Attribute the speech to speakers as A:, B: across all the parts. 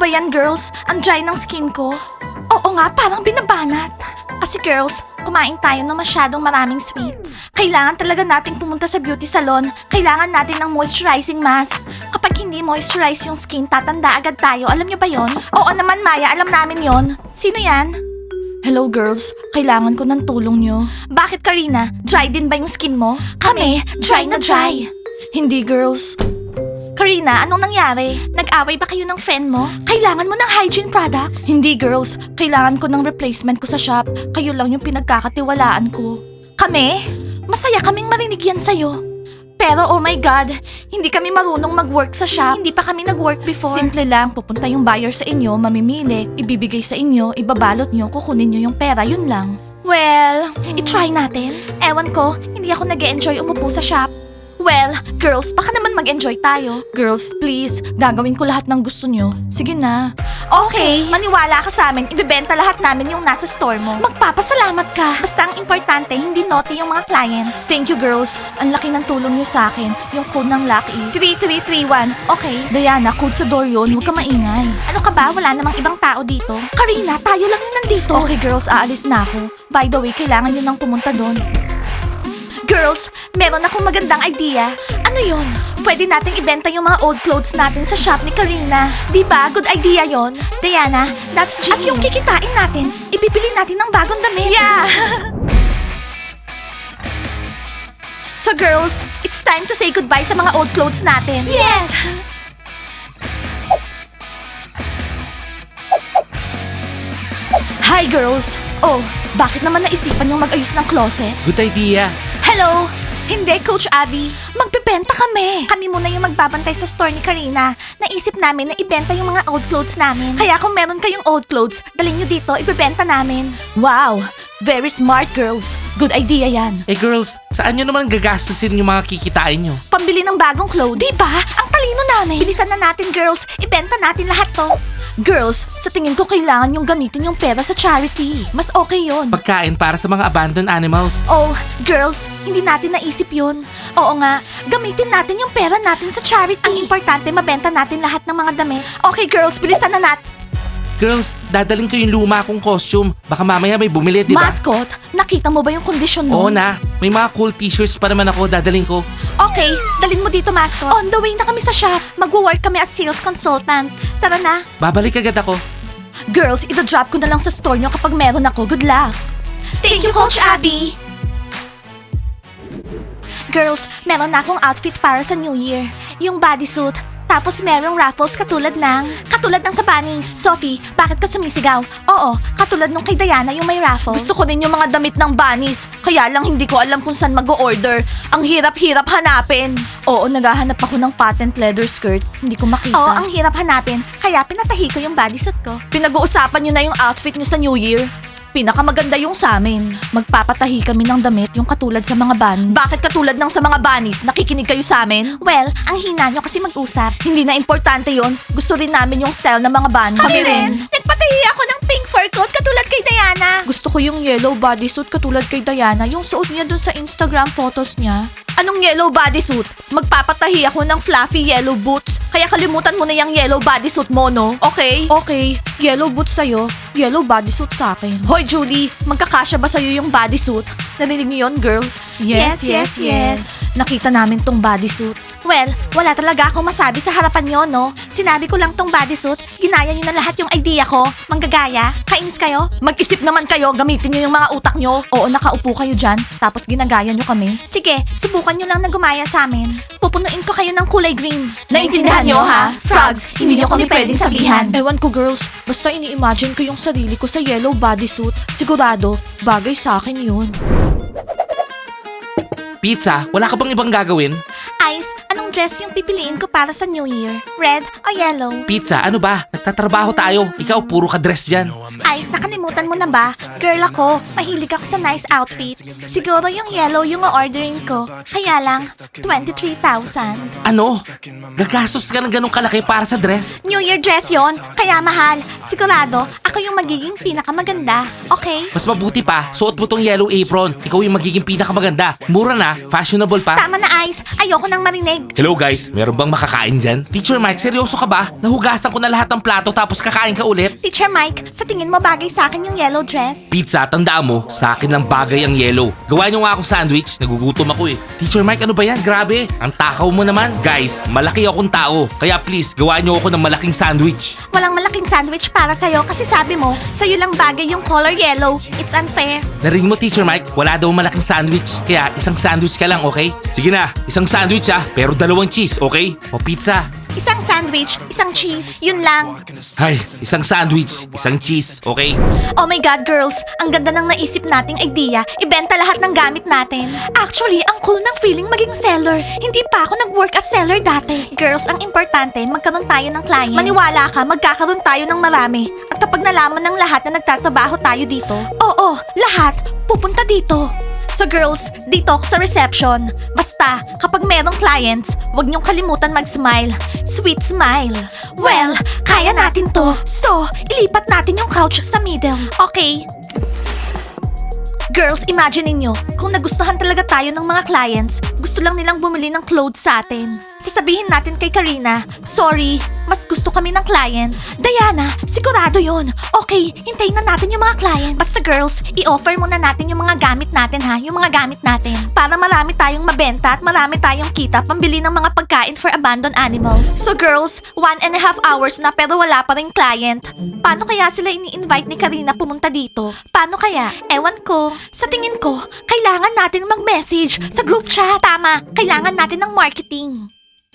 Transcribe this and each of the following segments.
A: ba yan, girls? Ang dry ng skin ko. Oo nga, parang binabanat. Kasi girls, kumain tayo ng masyadong maraming sweets. Kailangan talaga nating pumunta sa beauty salon. Kailangan natin ng moisturizing mask. Kapag hindi moisturize yung skin, tatanda agad tayo. Alam niyo ba yon? Oo naman, Maya. Alam namin yon. Sino yan? Hello girls, kailangan ko ng tulong nyo. Bakit Karina? Dry din ba yung skin mo? Kami, dry na dry. Hindi girls. Karina, anong nangyari? Nag-away ba kayo ng friend mo? Kailangan mo ng hygiene products? Hindi girls, kailangan ko ng replacement ko sa shop. Kayo lang yung pinagkakatiwalaan ko. Kami? Masaya kaming marinig yan sa'yo. Pero oh my God, hindi kami marunong mag-work sa shop. Hindi pa kami nag-work before. Simple lang, pupunta yung buyer sa inyo, mamimili, ibibigay sa inyo, ibabalot nyo, kukunin nyo yung pera, yun lang. Well, i-try natin. Ewan ko, hindi ako nag-e-enjoy umupo sa shop. Well, girls, baka naman mag-enjoy tayo. Girls, please, gagawin ko lahat ng gusto nyo. Sige na. Okay, maniwala ka sa amin, ibebenta lahat namin yung nasa store mo. Magpapasalamat ka. Basta ang importante, hindi naughty yung mga clients. Thank you, girls. Ang laki ng tulong nyo sa akin. Yung code ng lock is 3331. Okay. Diana, code sa door yun. Huwag ka maingay. Ano ka ba? Wala namang ibang tao dito. Karina, tayo lang yung nandito. Okay, girls, aalis na ako. By the way, kailangan nyo nang pumunta doon. Girls, meron akong magandang idea. Ano yon? Pwede nating ibenta yung mga old clothes natin sa shop ni Karina. Di ba? Good idea yon. Diana, that's genius. At yung kikitain natin, ibibili natin ng bagong damit. Yeah! So girls, it's time to say goodbye sa mga old clothes natin. Yes! Hi girls! Oh, bakit naman naisipan yung mag-ayos ng closet?
B: Good idea.
A: Hello! Hindi, Coach Abby. Magbebenta kami. Kami muna yung magbabantay sa store ni Karina. Naisip namin na ibenta yung mga old clothes namin. Kaya kung meron kayong old clothes, dalhin nyo dito, ibebenta namin. Wow! Very smart, girls. Good idea yan.
B: Eh girls, saan nyo naman gagastusin yung mga kikitain nyo?
A: Pambili ng bagong clothes. Diba? Ang talino namin. Bilisan na natin, girls. Ibenta natin lahat to. Girls, sa tingin ko kailangan yung gamitin yung pera sa charity. Mas okay yon.
B: Pagkain para sa mga abandoned animals.
A: Oh, girls, hindi natin naisip yun. Oo nga, gamitin natin yung pera natin sa charity. Ang importante, mabenta natin lahat ng mga damit. Okay, girls, bilisan na natin.
B: Girls, dadaling ko yung luma kong costume. Baka mamaya may bumili, di ba?
A: Mascot, nakita mo ba yung kondisyon
B: Oo
A: mo?
B: na. May mga cool t-shirts pa naman ako, dadaling ko.
A: Okay, dalhin mo dito, Mascot. On the way na kami sa shop. Magwo-work kami as sales consultants. Tara na.
B: Babalik agad ako.
A: Girls, ito-drop ko na lang sa store nyo kapag meron ako. Good luck. Thank you, Coach Abby. Girls, meron na akong outfit para sa New Year. Yung bodysuit. Tapos merong raffles katulad ng sa bunnies. Sophie, bakit ka sumisigaw? Oo, katulad nung kay Diana yung may raffles. Gusto ko din yung mga damit ng bunnies. Kaya lang hindi ko alam kung saan mag-order. Ang hirap-hirap hanapin. Oo, naghahanap ako ng patent leather skirt. Hindi ko makita. Oo, ang hirap hanapin. Kaya pinatahi ko yung bodysuit ko. Pinag-uusapan nyo na yung outfit nyo sa New Year. Pinakamaganda yung sa amin. Magpapatahi kami ng damit yung katulad sa mga bunnies. Bakit katulad ng sa mga bunnies? Nakikinig kayo sa amin? Well, ang hina nyo kasi mag-usap. Hindi na importante yon. Gusto rin namin yung style ng mga bunnies. Kami rin. Nagpatahi ako ng pink fur coat katulad kay Diana. Gusto ko yung yellow bodysuit katulad kay Diana. Yung suot niya dun sa Instagram photos niya. Anong yellow bodysuit? Magpapatahi ako ng fluffy yellow boots. Kaya kalimutan mo na yung yellow bodysuit mo, no? Okay? Okay. Yellow boots sa'yo, yellow bodysuit sa akin. Hoy, Julie, magkakasya ba sa'yo yung bodysuit? Narinig niyo yun, girls? Yes. Nakita namin tong bodysuit. Well, wala talaga akong masabi sa harapan nyo, no? Sinabi ko lang tong bodysuit, ginaya nyo na lahat yung idea ko. Manggagaya? Kainis kayo? Mag-isip naman kayo, gamitin nyo yung mga utak nyo. Oo, nakaupo kayo dyan, tapos ginagaya nyo kami. Sige, subukan nyo lang na gumaya sa amin. Pupunuin ko kayo ng kulay green. Naintindihan nyo, ha? Frogs, hindi nyo kami pwedeng sabihan. Ewan ko, girls. Basta ini-imagine ko yung sarili ko sa yellow bodysuit. Sigurado, bagay sa akin yun.
B: Pizza, wala ka bang ibang gagawin?
A: Ice, anong dress yung pipiliin ko para sa New Year? Red o yellow?
B: Pizza, ano ba? Nagtatrabaho tayo. Ikaw, puro ka dress dyan.
A: Ice, nakalimutan mo na ba? Girl ako, mahilig ako sa nice outfits. Siguro yung yellow yung ordering ko. Kaya lang, 23,000.
B: Ano? Gagastos ka ng ganong kalaki para sa dress?
A: New Year dress yon, kaya mahal. Sigurado, ako yung magiging pinakamaganda. Okay?
B: Mas mabuti pa, suot mo tong yellow apron. Ikaw yung magiging pinakamaganda. Mura na, fashionable pa.
A: Tama na, Ice. Ayoko na nang marinig.
B: Hello guys, meron bang makakain dyan? Teacher Mike, seryoso ka ba? Nahugasan ko na lahat ng plato tapos kakain ka ulit?
A: Teacher Mike, sa tingin mo bagay sa akin yung yellow dress?
B: Pizza, tandaan mo, sa akin lang bagay ang yellow. Gawa niyo nga akong sandwich, nagugutom ako eh. Teacher Mike, ano ba yan? Grabe, ang takaw mo naman. Guys, malaki akong tao, kaya please, gawa niyo ako ng malaking sandwich.
A: Walang malaking sandwich para sa'yo kasi sabi mo, sa'yo lang bagay yung color yellow. It's unfair.
B: Narinig mo, Teacher Mike, wala daw malaking sandwich. Kaya isang sandwich ka lang, okay? Sige na, isang sandwich pero 2 cheese, okay? O pizza.
A: Isang sandwich, isang cheese, yun lang.
B: Ay, isang sandwich, isang cheese, okay?
A: Oh my God, girls! Ang ganda ng naisip nating idea. Ibenta lahat ng gamit natin. Actually, ang cool ng feeling maging seller. Hindi pa ako nag-work as seller dati. Girls, ang importante, magkaroon tayo ng clients. Maniwala ka, magkakaroon tayo ng marami. At kapag nalaman ng lahat na nagtatrabaho tayo dito, oo, lahat, pupunta dito. So girls, dito ako sa reception. Basta, kapag merong clients, huwag niyong kalimutan mag-smile. Sweet smile. Well, kaya natin to. So, ilipat natin yung couch sa middle. Okay? Girls, imagine niyo, kung nagustuhan talaga tayo ng mga clients, gusto lang nilang bumili ng clothes sa atin. Sasabihin natin kay Karina, sorry, mas gusto kami ng clients. Diana, sigurado yon. Okay, hintayin na natin yung mga clients. Basta girls, i-offer muna natin yung mga gamit natin ha, yung mga gamit natin. Para marami tayong mabenta at marami tayong kita pambili ng mga pagkain for abandoned animals. So girls, 1.5 hours na pero wala pa rin client. Paano kaya sila ini-invite ni Karina pumunta dito? Paano kaya? Ewan ko. Sa tingin ko, kailangan natin mag-message sa group chat. Tama, kailangan natin ng marketing.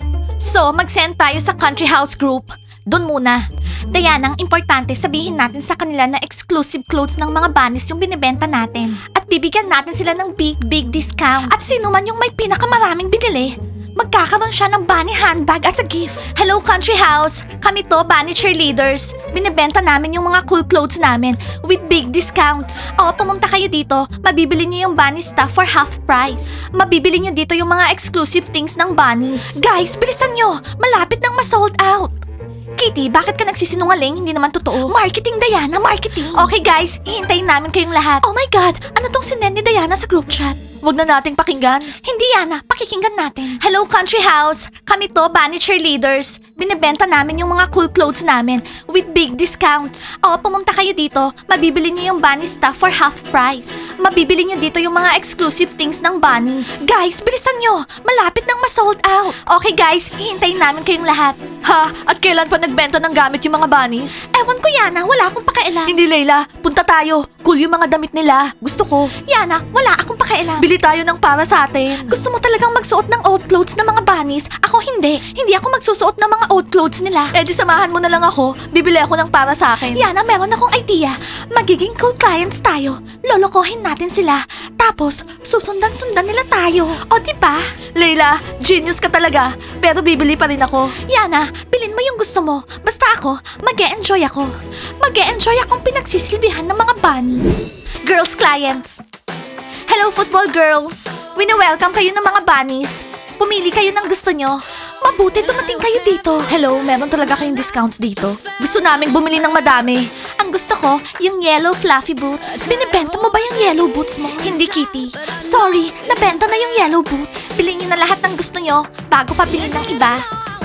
A: So, mag-send tayo sa country house group. Doon muna. Diana, ang importante sabihin natin sa kanila na exclusive clothes ng mga bunnies yung binibenta natin. At bibigyan natin sila ng big discount. At sino man yung may pinakamaraming binili, magkakaroon siya ng bunny handbag as a gift. Hello, country house! Kami to, bunny cheerleaders. Binibenta namin yung mga cool clothes namin with big discounts. O, pumunta kayo dito. Mabibili niyo yung bunny stuff for half price. Mabibili niyo dito yung mga exclusive things ng bunnies. Guys, bilisan nyo! Malapit nang ma-sold out. Kitty, bakit ka nagsisinungaling? Hindi naman totoo. Marketing, Diana, marketing. Okay guys, hihintayin namin kayong lahat. Oh my God, ano tong sinend ni Diana sa group chat? Huwag na nating pakinggan. Hindi, Yana. Pakikinggan natin. Hello, country house. Kami to, bunny cheerleaders. Binibenta namin yung mga cool clothes namin with big discounts. O, pumunta kayo dito. Mabibili niyo yung bunny stuff for half price. Mabibili niyo dito yung mga exclusive things ng bunnies. Guys, bilisan nyo. Malapit nang ma-sold out. Okay guys, hihintayin namin kayong lahat. Ha? At kailan pa nagbenta ng gamit yung mga bunnies? Ewan ko, Yana. Wala akong pakialam. Hindi, Layla. Punta tayo. Cool yung mga damit nila. Gusto ko. Yana, wala akong pakialam. Bili tayo ng para sa atin. Gusto mo talagang magsuot ng old clothes ng mga bunnies? Ako hindi. Hindi ako magsusuot ng mga old clothes nila. Eh di samahan mo na lang ako. Bibili ako ng para sa akin. Yana, meron akong idea. Magiging cool clients tayo. Lolokohin natin sila. Tapos, susundan-sundan nila tayo. O diba? Layla, genius ka talaga. Pero bibili pa rin ako. Yana, bilhin mo yung gusto mo. Basta ako, mag-e-enjoy ako. Mag-e-enjoy akong pinagsisilbihan ng mga bunnies. Girls clients. Hello, football girls! Wini-welcome kayo ng mga bunnies. Pumili kayo ng gusto nyo. Mabuti dumating kayo dito. Hello, meron talaga kayong discounts dito. Gusto naming bumili ng madami. Ang gusto ko, yung yellow fluffy boots. Binibenta mo ba yung yellow boots mo? Hindi, Kitty. Sorry, nabenta na yung yellow boots. Bilhin nyo na lahat ng gusto nyo bago pa bilhin ng iba.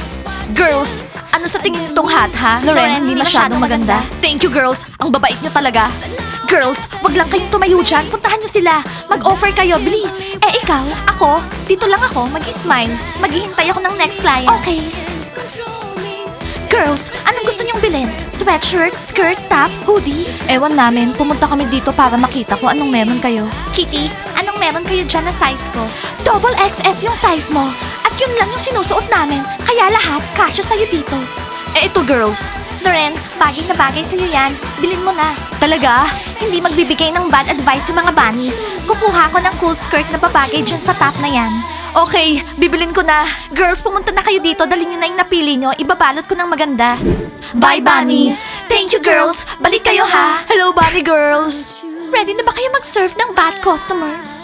A: Girls, ano sa tingin nitong hat, ha? Loren, hindi masyadong maganda. Thank you, girls. Ang babait nyo talaga. Girls, wag lang kayong tumayo dyan. Puntahan nyo sila. Mag-offer kayo, please. Eh, ikaw? Ako? Dito lang ako. Mag-smile. Maghihintay ako ng next client. Okay. Girls, anong gusto nyong bilhin? Sweatshirt, skirt, top, hoodie? Ewan namin. Pumunta kami dito para makita kung anong meron kayo. Kitty, anong meron kayo dyan na size ko? Double XS yung size mo. At yun lang yung sinusuot namin. Kaya lahat, kasya sa'yo dito. Eh, ito girls. Loren, bagay na bagay sa'yo yan. Bilhin mo na. Talaga? Hindi magbibigay ng bad advice yung mga bunnies. Kukuha ko ng cool skirt na babagay dyan sa top na yan. Okay, bibilin ko na. Girls, pumunta na kayo dito. Dalhin nyo na yung napili nyo. Ibabalot ko ng maganda. Bye, bunnies! Thank you, girls! Balik kayo, ha? Hello, bunny girls! Ready na ba kayo mag-serve ng bad customers?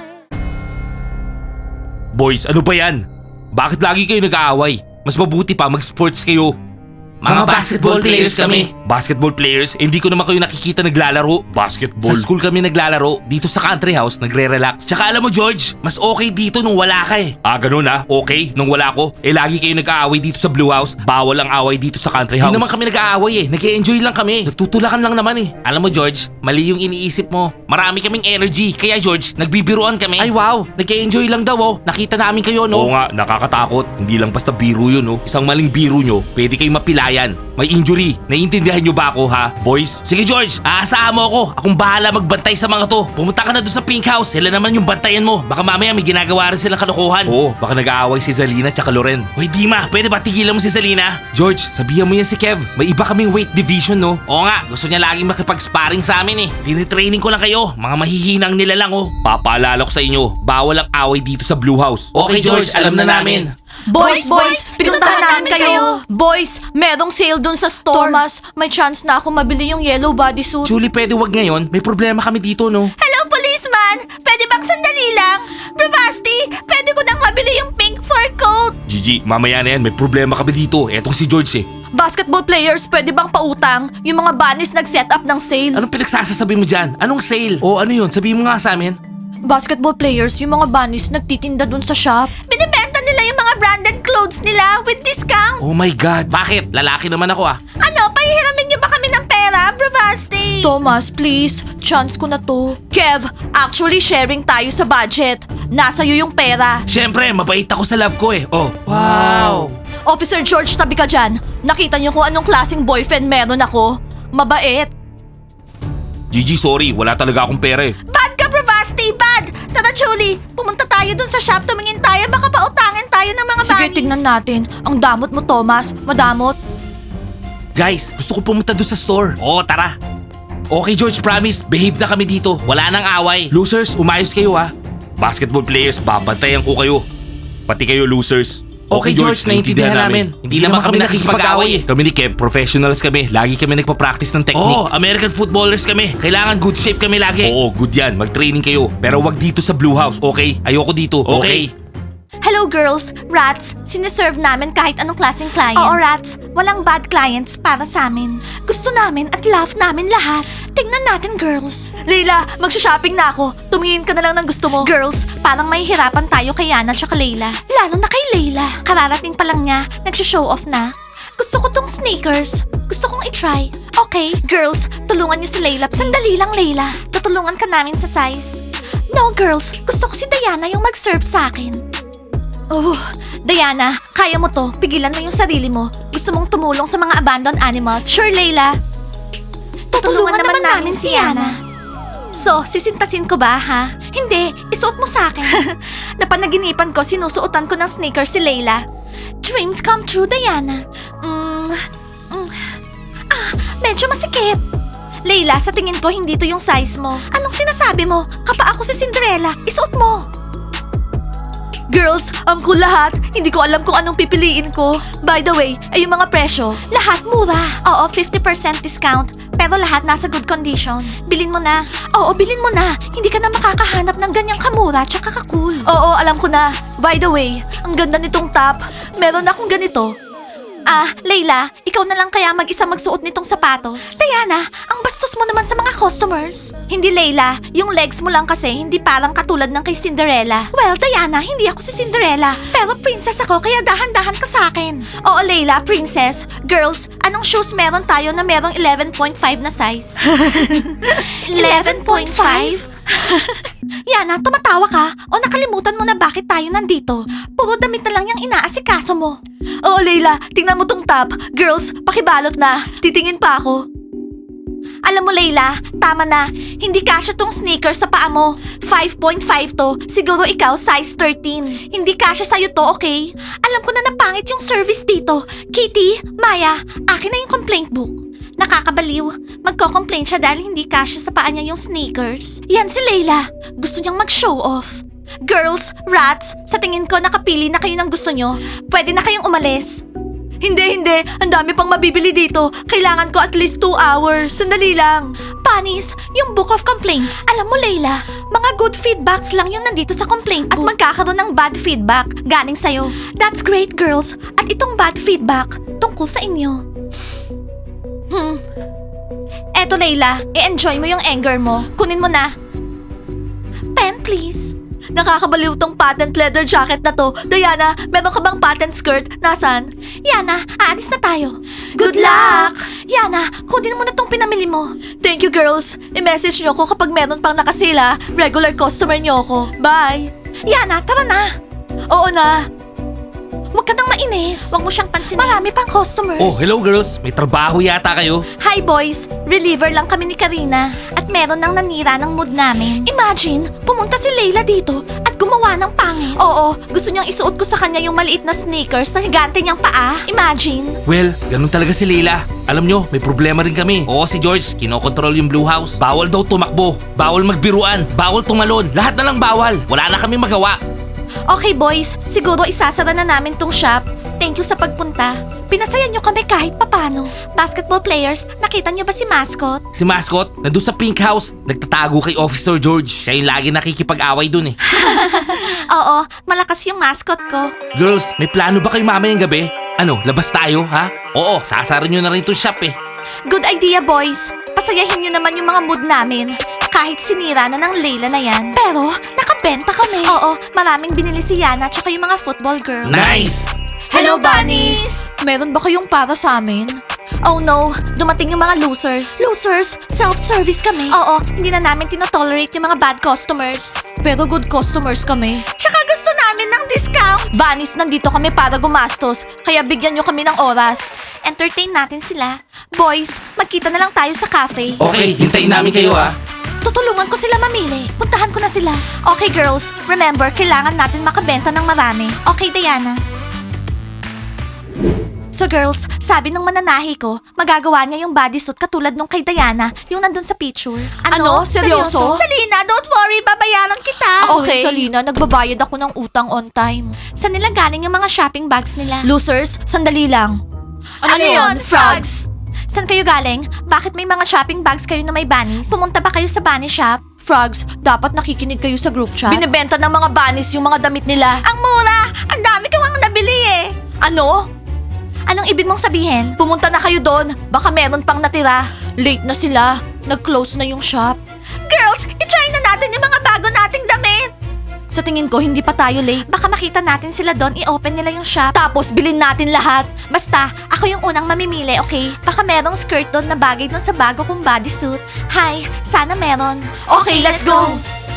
B: Boys, ano ba yan? Bakit lagi kayo nag-aaway? Mas mabuti pa mag-sports kayo. Mga basketball players kami. Basketball players, hindi ko naman kayo nakikita naglalaro. Basketball? Sa school kami naglalaro. Dito sa country house, nagre-relax. Tsaka alam mo George, mas okay dito nung wala ka eh. Ah, ganun ah? Okay, nung wala ko. Eh lagi kayo nag-aaway dito sa Blue House. Bawal ang away dito sa country house. Hindi naman kami nag-aaway eh. Nag-enjoy lang kami. Nagtutulakan lang naman eh. Alam mo George, mali yung iniisip mo. Marami kaming energy. Kaya George, nagbibiruan kami. Ay wow, nag-enjoy lang daw oh. Nakita namin kayo no? Oo nga, nakakatakot. Hindi lang basta biro yun oh. Isang maling biro nyo, pwede kayong mapilayan. May injury. Naiintindihan nyo ba ako ha, boys? Sige George, aasahan mo ako. Akong bahala magbantay sa mga to. Pumunta ka na doon sa pink house. Sila naman yung bantayan mo. Baka mamaya may ginagawa rin silang kalokohan. Oo, baka nag-aaway si Zalina tsaka Loren. Hoy Dima, pwede ba tigilan mo si Zalina? George, sabihan mo yan si Kev. May iba kaming weight division no? Oo nga, gusto niya laging makipag-sparring sa amin eh. Tinitraining ko lang kayo. Mga mahihinang nila lang oh. Papaalala ko sa inyo, bawal ang away dito sa Blue House. Okay George, alam na namin.
A: Boys, pinuntahan namin kayo. Boys, merong sale dun sa store. Thomas, may chance na ako mabili yung yellow bodysuit.
B: Julie, pwede wag ngayon. May problema kami dito no?
A: Hello, policeman! Pwede bang sandali lang? Bravasti, pwede ko nang mabili yung pink fur coat.
B: Gigi, mamaya na yan. May problema kami dito. Etong si George eh.
A: Basketball players, pwede bang pautang? Yung mga bunnies nag-set up ng sale.
B: Anong pinagsasasabi mo dyan? Anong sale? O ano yun? Sabihin mo nga sa amin.
A: Basketball players, yung mga bunnies nagtitinda dun sa shop. Binibenta nila yung mga branded clothes nila with discount.
B: Oh my God. Bakit? Lalaki naman ako ah.
A: Ano, pahihiramin niyo ba kami ng pera, Bravasti? Thomas, please. Chance ko na to. Kev, actually sharing tayo sa budget. Nasa iyo yung pera.
B: Siyempre, mabait ako sa love ko eh. Oh. Wow.
A: Officer George, tabi ka dyan. Nakita niyo kung anong klaseng boyfriend meron ako. Mabait.
B: Gigi, sorry. Wala talaga akong pera eh.
A: Bad ka, Bravasti, bad! Tara, Julie, pumunta tayo dun sa shop, tumingin tayo, baka pautangin tayo ng mga
B: Sige,
A: bunnies. Tignan natin. Ang damot mo, Thomas. Madamot.
B: Guys, gusto ko pumunta doon sa store. Oo, tara. Okay George, promise. Behave na kami dito. Wala nang away. Losers, umayos kayo ha. Basketball players, babantayan ko kayo. Pati kayo losers. Okay George, naiintindihan namin. Hindi naman kami nakikipag-away eh. Kami ni Kev, professionals kami. Lagi kami nagpa-practice ng technique. Oo, American footballers kami. Kailangan good shape kami lagi. Oo, good yan. Mag-training kayo. Pero wag dito sa Blue House, okay? Ayoko dito, okay?
A: Hello girls, Rats, siniserve namin kahit anong klaseng client. Oo Rats, walang bad clients para sa amin. Gusto namin at love namin lahat. Tingnan natin girls. Leila, magsha-shopping na ako. Tumingin ka na lang ng gusto mo. Girls, parang may hirapan tayo kay Yana at Leila. Lalo na kay Leila. Kararating pa lang niya, nagsha-show off na. Gusto ko tong sneakers. Gusto kong i-try. Okay, girls, tulungan niyo si Leila. Sandali lang Leila. Tutulungan ka namin sa size. No girls, gusto ko si Diana yung mag-serve sa akin. Oh, Diana, kaya mo to. Pigilan mo yung sarili mo. Gusto mong tumulong sa mga abandoned animals. Sure, Layla. Tutulungan naman namin si Yana. So, sisintasin ko ba, ha? Hindi, isuot mo sa akin. Napanaginipan ko, sinusuotan ko ng sneakers si Layla. Dreams come true, Diana. Medyo masikip. Layla, sa tingin ko, hindi to yung size mo. Anong sinasabi mo? Kapa ako si Cinderella. Isuot mo. Girls, ang cool lahat. Hindi ko alam kung anong pipiliin ko. By the way, ay yung mga presyo. Lahat mura. Oo, 50% discount. Pero lahat nasa good condition. Bilin mo na. Oo, bilin mo na. Hindi ka na makakahanap ng ganyang kamura tsaka ka-cool. Oo, alam ko na. By the way, ang ganda nitong top. Meron akong ganito. Layla, ikaw na lang kaya mag-isa magsuot nitong sapatos. Diana, ang bastos mo naman sa mga customers. Hindi Layla, yung legs mo lang kasi hindi parang katulad ng kay Cinderella. Well, Diana, hindi ako si Cinderella. Pero princess ako kaya dahan-dahan ka sa akin. Oo, Layla, princess. Girls, anong shoes meron tayo na merong 11.5 na size? 11.5? Yana, tumatawa ka? O nakalimutan mo na bakit tayo nandito? Puro damit na lang yung inaasikaso mo. Oo, Layla, tingnan mo tong top. Girls, pakibalot na. Titingin pa ako. Alam mo, Layla, tama na. Hindi kasya tong sneakers sa paa mo. 5.5 to. Siguro ikaw, size 13. Hindi kasya sa'yo to, okay? Alam ko na napangit yung service dito. Kitty, Maya, akin na yung complaint book. Nakakabaliw. Magko-complain siya dahil hindi kasya sa paa niya yung sneakers. Yan si Layla. Gusto niyang mag-show off. Girls, Rats, sa tingin ko nakapili na kayo ng gusto nyo. Pwede na kayong umalis. Hindi. Ang dami pang mabibili dito. Kailangan ko at least 2 hours. Sandali lang. Panis, yung book of complaints. Alam mo, Layla, mga good feedbacks lang yung nandito sa complaint book. At magkakaroon ng bad feedback galing sa'yo. That's great, girls. At itong bad feedback, tungkol sa inyo. Eto, Layla. I-enjoy mo yung anger mo. Kunin mo na. Pen, please. Nakakabaliw tong patent leather jacket na to. Diana, meron ka bang patent skirt? Nasaan? Yana, aalis na tayo. Good luck! Yana, kunin mo na tong pinamili mo. Thank you, girls. I-message nyo ko kapag meron pang nakasila. Regular customer nyo ako. Bye! Yana, tara na! Oo na. Huwag ka nang mainis. Huwag mo siyang pansinin. Marami pang customers.
B: Oh, hello girls. May trabaho yata kayo.
A: Hi boys! Reliever lang kami ni Karina. At meron nang nanira ng mood namin. Imagine, pumunta si Layla dito at gumawa ng pangit. Oo, gusto niyang isuot ko sa kanya yung maliit na sneakers na higante niyang paa. Imagine.
B: Well, ganun talaga si Leila. Alam nyo, may problema rin kami. Oo, si George, kinokontrol yung Blue House. Bawal daw tumakbo. Bawal magbiruan. Bawal tumalon. Lahat na lang bawal. Wala na kami magawa.
A: Okay boys, siguro isasara na namin tong shop. Thank you sa pagpunta. Pinasaya niyo kami kahit papano. Basketball players, nakita niyo ba si Mascot?
B: Si Mascot, nandun sa Pink House. Nagtatago kay Officer George. Siya yung lagi nakikipag-away dun eh.
A: Oo, malakas yung mascot ko.
B: Girls, may plano ba kayo mamayang gabi? Ano, labas tayo, ha? Oo, sasara nyo na rin itong shop eh.
A: Good idea boys. Pasayahin niyo naman yung mga mood namin. Kahit sinira na ng Layla na yan. Pero, nakabenta kami. Oo, maraming binili si Yana tsaka yung mga football girls.
B: Nice!
A: Hello, bunnies! Meron ba kayong para sa amin? Oh no, dumating yung mga losers. Losers? Self-service kami. Oo, hindi na namin tinotolerate yung mga bad customers. Pero good customers kami. Tsaka gusto namin ng discounts. Bunnies, nandito kami para gumastos. Kaya bigyan nyo kami ng oras. Entertain natin sila. Boys, magkita na lang tayo sa cafe.
B: Okay, hintayin namin kayo ha.
A: Tutulungan ko sila mamili. Puntahan ko na sila. Okay, girls. Remember, kailangan natin makabenta ng marami. Okay, Diana? So girls, sabi ng mananahi ko, magagawa niya yung bodysuit katulad nung kay Diana, yung nandun sa picture. Ano? Seryoso? Salina, don't worry, babayaran kita. Okay, Salina, nagbabayad ako ng utang on time. Saan nila galing yung mga shopping bags nila? Losers, sandali lang. Ano yun, frogs? Saan kayo galing? Bakit may mga shopping bags kayo na may bunnies? Pumunta ba kayo sa bunny shop? Frogs, dapat nakikinig kayo sa group chat. Binibenta ng mga bunnies yung mga damit nila. Ang mura! Ang dami ko ang nabili eh! Ano? Anong ibig mong sabihin? Pumunta na kayo doon. Baka meron pang natira. Late na sila. Nag-close na yung shop. Girls, itry na natin yung mga bago nating damit. Sa tingin ko, hindi pa tayo late. Baka makita natin sila doon, i-open nila yung shop. Tapos, bilhin natin lahat. Basta, ako yung unang mamimili, okay? Baka merong skirt doon na bagay doon sa bago kong bodysuit. Hi, sana meron. Okay, let's go!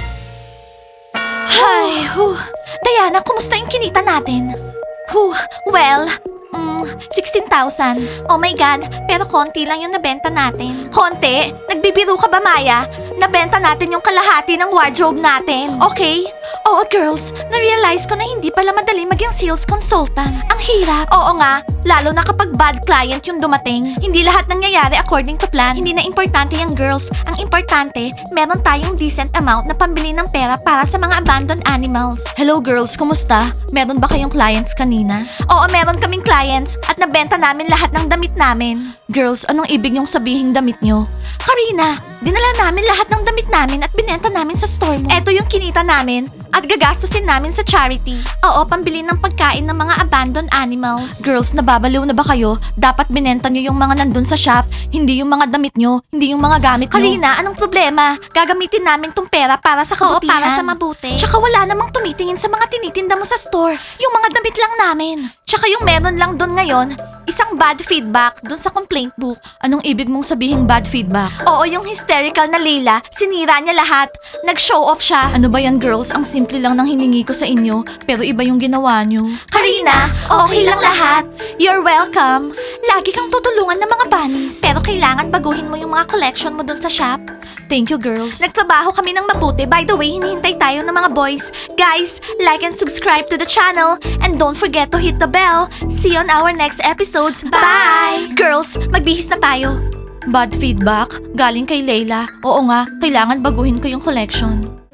A: Hi, Diana, kumusta yung kinita natin? Well, 16,000. Oh my God, pero konti lang yung nabenta natin. Konti? Nagbibiro ka ba, Maya? Nabenta natin yung kalahati ng wardrobe natin. Okay? Oo, girls. Na-realize ko na hindi pala madali maging sales consultant. Ang hirap. Oo nga, lalo na kapag bad client yung dumating. Hindi lahat nangyayari according to plan. Hindi na importante yung girls. Ang importante, meron tayong decent amount na pambili ng pera para sa mga abandoned animals. Hello girls, kumusta? Meron ba kayong clients kanina? Oo, meron kaming clients at nabenta namin lahat ng damit namin. Girls, anong ibig niyong sabihing damit niyo? Karina, dinala namin lahat ng damit namin at binenta namin sa store mo. Eto yung kinita namin at gagastusin namin sa charity. Oo, pambili ng pagkain ng mga abandoned animals. Girls, nababaliw na ba kayo? Dapat binenta niyo yung mga nandun sa shop, hindi yung mga damit niyo, hindi yung mga gamit niyo. Karina, anong problema? Gagamitin namin tong pera para sa kabutihan. Oo, para sa mabuti. Tsaka wala namang tumitingin sa mga tinitinda mo sa store. Yung mga damit lang namin. Tsaka yung meron lang doon ngayon, isang bad feedback doon sa complaint book. Anong ibig mong sabihing bad feedback? Oo, yung hysterical na Leila, sinira niya lahat. Nag-show off siya. Ano ba yan, girls? Ang simple lang ng hiningi ko sa inyo, pero iba yung ginawa niyo. Karina, okay lang lahat. You're welcome. Lagi kang tutulungan ng mga bunnies. Pero kailangan baguhin mo yung mga collection mo doon sa shop. Thank you, girls. Nagtrabaho kami ng mabuti. By the way, hinihintay tayo ng mga boys. Guys, like and subscribe to the channel. And don't forget to hit the bell. See you on our next episodes. Bye! Girls, magbihis na tayo. Bad feedback? Galing kay Layla. Oo nga, kailangan baguhin ko yung collection.